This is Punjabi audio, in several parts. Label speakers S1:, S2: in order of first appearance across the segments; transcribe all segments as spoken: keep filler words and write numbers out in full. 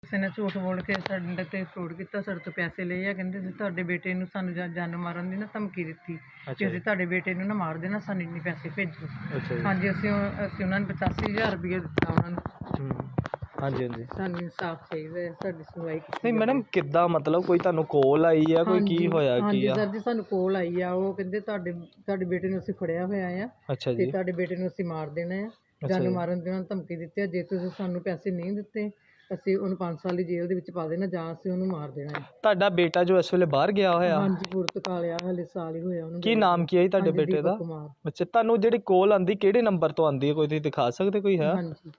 S1: ਕਿਸੇ ਨੇ ਝੂਠ ਬੋਲ ਕੇ ਸਾਡੇ 'ਤੇ ਫਰੋਡ ਕੀਤਾ, ਸਾਡੇ ਤੋਂ ਪੈਸੇ ਲਏ ਆ। ਕਹਿੰਦੇ ਸੀ ਤੁਹਾਡੇ ਬੇਟੇ ਨੂੰ ਸਾਨੂੰ ਜਾ- ਜਾਨੋਂ ਮਾਰਨ ਦੀ ਨਾ ਧਮਕੀ ਦਿੱਤੀ ਕਿ ਅਸੀਂ ਤੁਹਾਡੇ ਬੇਟੇ ਨੂੰ ਨਾ ਮਾਰ ਦੇਣਾ, ਸਾਨੂੰ ਇੰਨੇ ਪੈਸੇ ਭੇਜੋ।
S2: ਅੱਛਾ ਜੀ।
S1: ਹਾਂਜੀ, ਅਸੀਂ ਉਹ- ਅਸੀਂ ਉਹਨਾਂ ਨੂੰ ਪਚਾਸੀ ਹਜ਼ਾਰ ਰੁਪਏ ਦਿੱਤਾ ਉਹਨਾਂ ਨੂੰ।
S2: ਹੂੰ। ਹਾਂਜੀ ਹਾਂਜੀ।
S1: ਸਾਨੂੰ ਇਨਸਾਫ ਚਾਹੀਦਾ ਹੈ, ਸਾਡੀ ਸੁਣਵਾਈ ਕੀਤੀ
S2: ਨਹੀਂ
S1: ਜਾਵੇ।
S2: ਮੈਡਮ, ਕਿੱਦਾਂ ਮਤਲਬ ਕੋਈ ਤੁਹਾਨੂੰ ਕੋਲ ਆਈ ਆ, ਕੋਈ ਕੀ
S1: ਹਾਂਜੀ,
S2: ਹੋਇਆ ਕੀ
S1: ਹਾਂਜੀ
S2: ਆ?
S1: ਸਰ ਜੀ, ਸਾਨੂੰ ਕੋਲ ਆਈ ਆ। ਉਹ ਕਹਿੰਦੇ ਤੁਹਾਡੇ ਤੁਹਾਡੇ ਬੇਟੇ ਨੂੰ ਅਸੀਂ ਫੜਿਆ ਹੋਇਆ ਆ
S2: ਅੱਛਾ
S1: ਤੇ
S2: ਜੀ।
S1: ਤੁਹਾਡੇ ਬੇਟੇ ਨੂੰ ਅਸੀਂ ਮਾਰ ਦੇਣਾ ਆ,
S2: ਅੱਛਾ
S1: ਜਾਨੋਂ
S2: ਜੀ।
S1: ਮਾਰਨ ਦੀ ਉਹਨਾਂ ਨੇ ਧਮਕੀ ਦਿੱਤੀ ਆ। ਜੇ ਤੁਸੀਂ ਸਾਨੂੰ ਪੈਸੇ ਨਹੀਂ ਦਿੱਤੇ ਅਸੀਂ ਉਹਨੂੰ ਪੰਜ ਸਾਲ ਦੀ ਜੇਲ੍ਹ ਦੇ ਵਿੱਚ ਪਾ ਦੇਣਾ ਜਾਂ ਅਸੀਂ ਉਹਨੂੰ ਮਾਰ ਦੇਣਾ ਹੈ।
S2: ਤੁਹਾਡਾ ਬੇਟਾ ਜੋ ਇਸ ਵੇਲੇ ਬਾਹਰ ਗਿਆ ਹੋਇਆ,
S1: ਹਾਂਜੀ, ਪੁਰਤਗਾਲ ਆ, ਹਲੇ ਸਾਲ ਹੀ ਹੋਇਆ ਉਹਨੂੰ
S2: ਕੀ
S1: ਗਏ
S2: ਨਾਮ
S1: ਨੂੰ।
S2: ਕੀ ਹੈ ਜੀ ਤੁਹਾਡੇ
S1: ਹਾਂਜੀ,
S2: ਬੇਟੇ
S1: ਦੀਪਕ
S2: ਦਾ?
S1: ਕੁਮਾਰ।
S2: ਅੱਛਾ, ਤੁਹਾਨੂੰ ਜਿਹੜੀ ਕੋਲ ਆਂਦੀ ਕਿਹੜੇ ਨੰਬਰ ਤੋਂ ਆਂਦੀ ਹੈ, ਕੋਈ ਤੁਸੀਂ ਦਿਖਾ ਸਕਦੇ, ਕੋਈ ਹੈ?
S1: ਹਾਂਜੀ,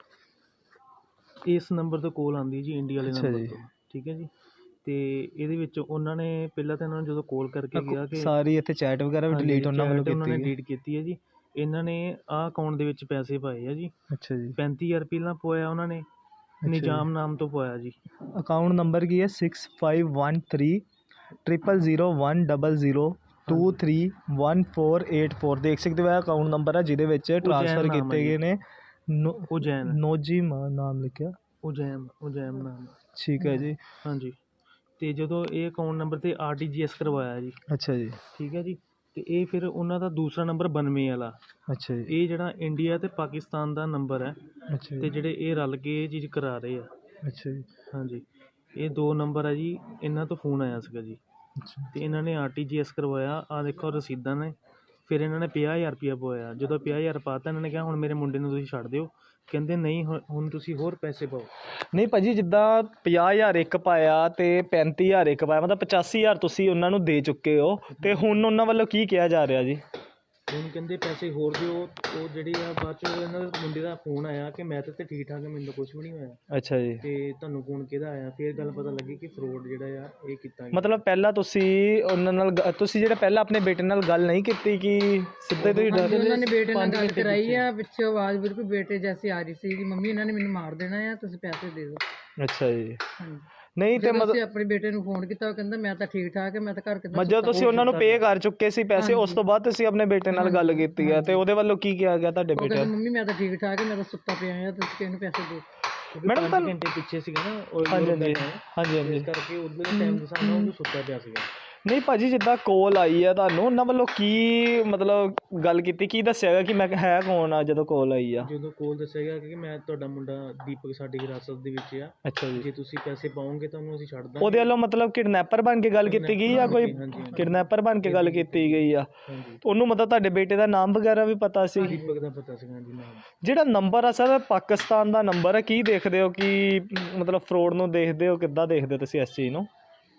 S3: ਇਸ ਨੰਬਰ ਤੋਂ ਕੋਲ ਆਉਂਦੀ ਜੀ, ਇੰਡੀਆ ਵਾਲੇ
S2: ਅੱਛਾ
S3: ਨੰਬਰ
S2: ਜੀ।
S3: ਤੋਂ। ਠੀਕ ਹੈ ਜੀ। ਤੇ ਇਹਦੇ ਵਿੱਚ ਉਹਨਾਂ ਨੇ ਪਹਿਲਾਂ ਤਾਂ ਇਹਨਾਂ ਨੂੰ ਜਦੋਂ ਕਾਲ ਕਰਕੇ ਗਿਆ ਕਿ
S2: ਸਾਰੀ ਇੱਥੇ ਚੈਟ ਵਗੈਰਾ ਵੀ
S3: ਹਾਂਜੀ,
S2: ਡਿਲੀਟ ਉਹਨਾਂ ਵੱਲੋਂ
S3: chat ਉਹਨਾਂ ਨੇ
S2: ਕੀਤੀ ਗਈ।
S3: ਡਿਲੀਟ ਕੀਤੀ ਹੈ ਜੀ। ਇਹਨਾਂ ਨੇ ਆਹ ਅਕਾਊਂਟ ਦੇ ਵਿੱਚ ਪੈਸੇ ਪਾਏ ਆ ਜੀ।
S2: ਅੱਛਾ ਜੀ।
S3: ਪੈਂਤੀ ਹਜ਼ਾਰ ਪਹਿਲਾਂ ਪਵਾਇਆ ਉਹਨਾਂ ਨੇ, ਨਿਜ਼ਾਮ ਨਾਮ ਤੋਂ ਪਵਾਇਆ ਜੀ।
S2: ਅਕਾਊਂਟ ਨੰਬਰ ਕੀ ਹੈ? Six five one three triple zero one double zero two three one four eight four. ਦੇਖ ਸਕਦੇ ਹੋ ਇਹ ਅਕਾਊਂਟ ਨੰਬਰ ਹੈ ਜਿਹਦੇ ਵਿੱਚ ਟ੍ਰਾਂਸਫਰ
S3: ਨਾਮ
S2: ਕੀਤੇ
S3: ਹੈ
S2: ਗਏ ਨੇ। ਨੋ
S3: ਉਜੈਨ
S2: ਨੋਜੀ ਮਾ ਨਾਮ ਲਿਖਿਆ।
S3: ਉਜੈਮ ਉਜੈਮ ਨਾਮ।
S2: ਠੀਕ ਹੈ ਜੀ।
S3: ਹਾਂਜੀ। ਤੇ ਜਦੋਂ ਇਹ ਅਕਾਊਂਟ ਨੰਬਰ ਤੇ ਆਰ ਟੀ ਜੀ ਐਸ ਕਰਵਾਇਆ ਜੀ।
S2: ਅੱਛਾ ਜੀ।
S3: ਠੀਕ ਹੈ ਜੀ। ਤੇ ਇਹ ਫਿਰ ਉਹਨਾਂ ਦਾ ਦੂਸਰਾ ਨੰਬਰ ਬਾਨਵੇਂ ਵਾਲਾ,
S2: ਅੱਛਾ ਜੀ।
S3: ਇਹ ਜਿਹੜਾ ਇੰਡੀਆ ਤੇ ਪਾਕਿਸਤਾਨ ਦਾ ਨੰਬਰ ਹੈ।
S2: ਅੱਛਾ
S3: ਤੇ
S2: ਜੀ।
S3: ਜਿਹੜੇ ਇਹ ਰਲ ਕੇ ਇਹ ਚੀਜ਼ ਕਰਾ ਰਹੇ ਆ।
S2: ਅੱਛਾ ਜੀ।
S3: ਹਾਂਜੀ, ਇਹ ਦੋ ਨੰਬਰ ਹੈ ਜੀ। ਇਹਨਾਂ ਤੋਂ ਫੋਨ ਆਇਆ ਸੀਗਾ ਜੀ
S2: ਅੱਛਾ।
S3: ਤੇ ਇਹਨਾਂ ਨੇ ਆਰ ਟੀ ਜੀ ਐਸ ਕਰਵਾਇਆ। ਆਹ ਦੇਖੋ ਰਸੀਦਾਂ ਨੇ। ਫਿਰ ਇਹਨਾਂ ਨੇ ਪੰਜਾਹ ਹਜ਼ਾਰ ਰੁਪਇਆ ਪਵਾਇਆ। ਜਦੋਂ ਪੰਜਾਹ ਹਜ਼ਾਰ ਪਾਤਾ, ਇਹਨਾਂ ਨੇ ਕਿਹਾ ਹੁਣ ਮੇਰੇ ਮੁੰਡੇ ਨੂੰ ਤੁਸੀਂ ਛੱਡ ਦਿਓ। ਕਹਿੰਦੇ ਨਹੀਂ, ਹੁਣ ਹੁਣ ਤੁਸੀਂ ਹੋਰ ਪੈਸੇ ਪਾਓ।
S2: ਨਹੀਂ ਭਾਅ ਜੀ, ਜਿੱਦਾਂ ਪੰਜਾਹ ਹਜ਼ਾਰ ਇੱਕ ਪਾਇਆ ਤੇ ਪੈਂਤੀ ਹਜ਼ਾਰ ਇੱਕ ਪਾਇਆ, ਮਤਲਬ ਪਚਾਸੀ ਹਜ਼ਾਰ ਤੁਸੀਂ ਉਹਨਾਂ ਨੂੰ ਦੇ ਚੁੱਕੇ ਹੋ, ਤੇ ਹੁਣ ਉਹਨਾਂ ਵੱਲੋਂ ਕੀ ਕਿਹਾ ਜਾ ਰਿਹਾ ਜੀ?
S3: ਹੁਣ ਕਹਿੰਦੇ ਪੈਸੇ ਹੋਰ ਦਿਓ। ਉਹ ਜਿਹੜੀ ਆ ਬਾਅਦ 'ਚੋਂ ਇਹਨਾਂ ਦੇ ਮੁੰਡੇ ਦਾ ਫੋਨ ਆਇਆ ਕਿ ਮੈਂ ਤਾਂ ਇੱਥੇ ਠੀਕ ਠਾਕ ਹਾਂ, ਮੈਨੂੰ ਤਾਂ ਕੁਛ ਵੀ ਨਹੀਂ ਹੋਇਆ।
S2: ਅੱਛਾ ਜੀ।
S3: ਤੇ ਤੁਹਾਨੂੰ ਫੋਨ ਕਿਹਦਾ ਆਇਆ? ਫਿਰ ਗੱਲ ਪਤਾ ਲੱਗੀ ਕਿ ਫਰੋਡ ਜਿਹੜਾ ਆ ਇਹ ਕੀਤਾ ਗਿਆ।
S2: ਮਤਲਬ ਪਹਿਲਾਂ ਤੁਸੀਂ ਉਹਨਾਂ ਨਾਲ ਗ- ਤੁਸੀਂ ਜਿਹੜਾ ਪਹਿਲਾਂ ਆਪਣੇ ਬੇਟੇ ਨਾਲ ਗੱਲ ਨਹੀਂ ਕੀਤੀ ਕਿ ਸਿੱਧੇ ਤੁਸੀਂ
S1: ਹਾਂਜੀ,
S2: ਡਰ?
S1: ਉਹਨਾਂ ਨੇ ਬੇਟੇ ਨਾਲ
S3: ਪੰਜ
S1: ਗੱਲ
S3: ਘੰਟੇ
S1: ਕਰਾਈ
S3: ਪਿੱਛੇ।
S1: ਆ। ਪਿੱਛੋਂ ਆਵਾਜ਼ ਬਿਲਕੁਲ ਬੇਟੇ ਜੈਸੀ ਆ ਰਹੀ ਸੀ ਕਿ ਮੰਮੀ ਇਹਨਾਂ ਨੇ ਮੈਨੂੰ ਮਾਰ ਦੇਣਾ ਆ, ਤੁਸੀਂ ਪੈਸੇ ਦੇ ਦਿਓ।
S2: ਅੱਛਾ ਜੀ।
S1: ਹਾਂਜੀ,
S2: ਨਹੀਂ ਤੇ
S1: ਜਦੋਂ
S2: ਮਤਲਬ
S1: ਅਸੀਂ ਆਪਣੇ ਬੇਟੇ ਨੂੰ ਫੋਨ ਕੀਤਾ, ਉਹ ਕਹਿੰਦਾ ਮੈਂ ਤਾਂ ਠੀਕ ਠਾਕ ਹੈ, ਮੈਂ ਤਾਂ ਘਰ ਕਿੱਦਾਂ
S2: ਜਦੋਂ ਤੁਸੀਂ ਉਹਨਾਂ ਨੂੰ ਪੇ ਕਰ ਚੁੱਕੇ ਸੀ ਪੈਸੇ, ਉਸ ਤੋਂ ਬਾਅਦ ਤੁਸੀਂ ਆਪਣੇ ਬੇਟੇ ਨਾਲ ਗੱਲ ਕੀਤੀ ਹੈ ਤੇ ਉਹਦੇ ਵੱਲੋਂ ਕੀ ਕਿਹਾ ਗਿਆ ਤੁਹਾਡੇ
S1: ਉਹ
S2: ਬੇਟੇ?
S1: ਕਹਿੰਦਾ ਮੰਮੀ ਮੈਂ ਤਾਂ ਠੀਕ ਠਾਕ ਹੈ, ਮੈਂ ਤਾਂ ਸੁੱਤਾ ਪਿਆ ਆ, ਤੁਸੀਂ ਇਹਨੂੰ ਪੈਸੇ ਦਿਓ।
S2: ਮੈਡਮ
S3: ਪੰਜ ਘੰਟੇ ਪਿੱਛੇ ਸੀਗਾ ਨਾ ਉਹ
S2: ਹਾਂਜੀ
S3: ਲੋਕ
S2: ਹਾਂਜੀ
S3: ਬੈਠੇ ਆ।
S2: ਹਾਂਜੀ ਹਾਂਜੀ।
S3: ਇਸ ਕਰਕੇ ਉਧਰ ਦੇ ਟਾਈਮ ਦੇ ਹਿਸਾਬ ਨਾਲ ਉਹ ਸੁੱਤਾ ਪਿਆ ਸੀਗਾ।
S2: ਨਹੀਂ ਭਾਜੀ, ਜਿੱਦਾਂ ਕੋਲ ਆਈ ਹੈ ਤੁਹਾਨੂੰ, ਉਹਨਾਂ ਵੱਲੋਂ ਕੀ ਮਤਲਬ ਗੱਲ ਕੀਤੀ, ਕੀ ਦੱਸਿਆ ਗਿਆ ਕਿ ਮੈਂ ਹੈ ਕੌਣ ਆ ਜਦੋਂ ਕੋਲ ਆਈ ਆ?
S3: ਜਦੋਂ ਕੋਲ ਦੱਸਿਆ ਗਿਆ ਕਿ ਮੈਂ ਤੁਹਾਡਾ ਮੁੰਡਾ ਦੀਪਕ ਸਾਡੀ ਹਿਰਾਸਤ ਦੇ ਵਿੱਚ ਆ,
S2: ਅੱਛਾ ਜੀ।
S3: ਜੇ ਤੁਸੀਂ ਪੈਸੇ ਪਾਓਗੇ ਤਾਂ ਉਹਨੂੰ ਅਸੀਂ ਛੱਡ ਦਾਂਗੇ।
S2: ਉਹਦੇ ਵੱਲੋਂ ਮਤਲਬ ਕਿਡਨੈਪਰ ਬਣ ਕੇ ਗੱਲ ਕੀਤੀ ਗਈ ਜਾਂ ਕੋਈ
S3: ਹਾਂਜੀ,
S2: ਕਿਡਨੈਪਰ ਬਣ ਕੇ ਗੱਲ ਕੀਤੀ ਗਈ ਆ?
S3: ਹਾਂਜੀ।
S2: ਉਹਨੂੰ ਮਤਲਬ ਤੁਹਾਡੇ ਬੇਟੇ ਦਾ ਨਾਮ ਵਗੈਰਾ ਵੀ ਪਤਾ ਸੀ?
S3: ਦੀਪਕ ਦਾ ਪਤਾ ਸੀਗਾ ਜੀ ਨਾਮ।
S2: ਜਿਹੜਾ ਨੰਬਰ ਆ ਸਰ, ਪਾਕਿਸਤਾਨ ਦਾ ਨੰਬਰ ਹੈ, ਕੀ ਦੇਖਦੇ ਹੋ ਕਿ ਮਤਲਬ ਫਰੋਡ ਨੂੰ ਦੇਖਦੇ ਹੋ, ਕਿੱਦਾਂ ਦੇਖਦੇ ਹੋ ਤੁਸੀਂ ਇਸ ਚੀਜ਼ ਨੂੰ?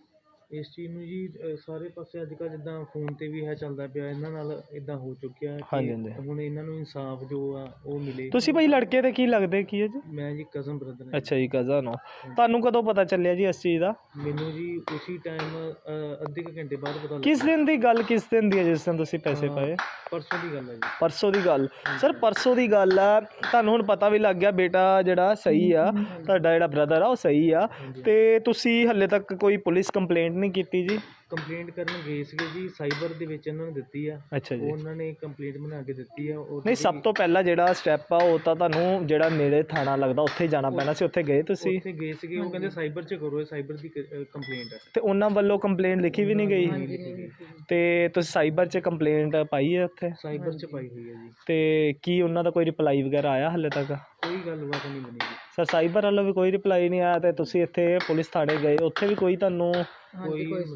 S3: ਇਸ ਚੀਜ਼ ਨੂੰ ਜੀ ਅ, ਸਾਰੇ ਪਾਸੇ ਅੱਜ ਕੱਲ੍ਹ ਜਿੱਦਾਂ ਫੋਨ ਤੇ ਵੀ ਹੈ ਚੱਲਦਾ ਪਿਆ, ਇਹਨਾਂ ਨਾਲ ਇਦਾਂ ਹੋ ਚੁੱਕਿਆ
S2: ਹਾਂਜੀ,
S3: ਕਿ
S2: ਹਾਂਜੀ।
S3: ਹੁਣ ਇਹਨਾਂ ਨੂੰ ਇਨਸਾਫ ਜੋ ਆ ਉਹ ਮਿਲੇ।
S2: ਤੁਸੀਂ ਭਾਈ ਲੜਕੇ ਦੇ ਕੀ ਲੱਗਦੇ ਕੀ ਹੈ ਜੀ?
S3: ਮੈਂ ਜੀ ਕਜ਼ਨ ਬ੍ਰਦਰ ਹਾਂ।
S2: ਅੱਛਾ ਜੀ, ਕਜ਼ਨ ਹੋ। ਤੁਹਾਨੂੰ ਕਦੋਂ ਪਤਾ ਚੱਲਿਆ ਜੀ ਇਸ ਚੀਜ਼ ਦਾ?
S3: ਮੈਨੂੰ ਜੀ ਉਸੇ ਟਾਈਮ ਅੱਧੇ ਕੁ ਘੰਟੇ ਬਾਅਦ ਪਤਾ
S2: ਕਿਸ
S3: ਲੱਗਾ।
S2: ਦਿਨ ਦੀ ਗੱਲ, ਕਿਸ ਦਿਨ ਦੀ ਹੈ ਜਿਸ ਦਿਨ ਤੁਸੀਂ ਪੈਸੇ
S3: ਹਾਂ,
S2: ਪਾਏ?
S3: ਪਰਸੋਂ ਦੀ ਗੱਲ ਹੈ ਜੀ।
S2: ਪਰਸੋਂ ਦੀ ਗੱਲ। ਸਰ ਪਰਸੋਂ ਦੀ ਗੱਲ ਆ, ਤੁਹਾਨੂੰ ਹੁਣ ਪਤਾ ਵੀ ਲੱਗ ਗਿਆ ਬੇਟਾ ਜਿਹੜਾ ਸਹੀ ਆ, ਤੁਹਾਡਾ ਜਿਹੜਾ ਬ੍ਰਦਰ ਆ ਉਹ ਸਹੀ ਆ, ਤੇ ਤੁਸੀਂ ਹੱਲੇ ਤੱਕ ਕੋਈ ਪੁਲਿਸ ਕੰਪਲੇਂਟ ਨਹੀਂ ਕੀਤੀ ਜੀ?
S3: ਕੰਪਲੇਂਟ ਕਰਨ ਗਏ ਸੀਗੇ ਜੀ, ਸਾਈਬਰ ਦੇ ਵਿੱਚ ਇਹਨਾਂ ਨੇ ਦਿੱਤੀ ਆ।
S2: ਅੱਛਾ ਜੀ।
S3: ਉਹਨਾਂ ਨੇ ਕੰਪਲੇਂਟ ਬਣਾ ਕੇ ਦਿੱਤੀ ਆ। ਉਹ
S2: ਨਹੀਂ, ਸਭ ਤੋਂ ਪਹਿਲਾਂ ਜਿਹੜਾ ਸਟੈਪ ਆ ਉਹ ਤਾਂ ਤੁਹਾਨੂੰ ਜਿਹੜਾ ਨੇੜੇ ਥਾਣਾ ਲੱਗਦਾ ਉੱਥੇ ਜਾਣਾ ਪੈਣਾ ਸੀ, ਉੱਥੇ ਗਏ ਤੁਸੀਂ?
S3: ਉੱਥੇ ਗਏ ਸੀਗੇ, ਉਹ ਕਹਿੰਦੇ ਸਾਈਬਰ 'ਚ ਕਰੋ, ਇਹ ਸਾਈਬਰ ਦੀ ਕੰਪਲੇਂਟ ਹੈ।
S2: ਤੇ ਉਹਨਾਂ ਵੱਲੋਂ ਕੰਪਲੇਂਟ ਲਿਖੀ ਵੀ ਨਹੀਂ ਗਈ? ਤੇ ਤੁਸੀਂ ਸਾਈਬਰ 'ਚ ਕੰਪਲੇਂਟ ਪਾਈ ਹੈ ਉੱਥੇ?
S3: ਸਾਈਬਰ 'ਚ ਪਾਈ ਹੋਈ ਹੈ ਜੀ।
S2: ਤੇ ਕੀ ਉਹਨਾਂ ਦਾ ਕੋਈ ਰਿਪਲਾਈ ਵਗੈਰਾ ਆਇਆ ਹਾਲੇ ਤੱਕ?
S3: ਕੋਈ ਗੱਲਬਾਤ ਨਹੀਂ ਬਣੀ ਜੀ।
S2: ਸਰ ਸਾਈਬਰ ਵੱਲੋਂ ਵੀ ਕੋਈ ਰਿਪਲਾਈ ਨਹੀਂ ਆਇਆ, ਤੇ ਤੁਸੀਂ ਇੱਥੇ ਪੁਲਿਸ ਥਾਣੇ ਗਏ, ਉੱਥੇ ਵੀ ਕੋਈ ਤੁਹਾਨੂੰ
S3: ਕੋਈ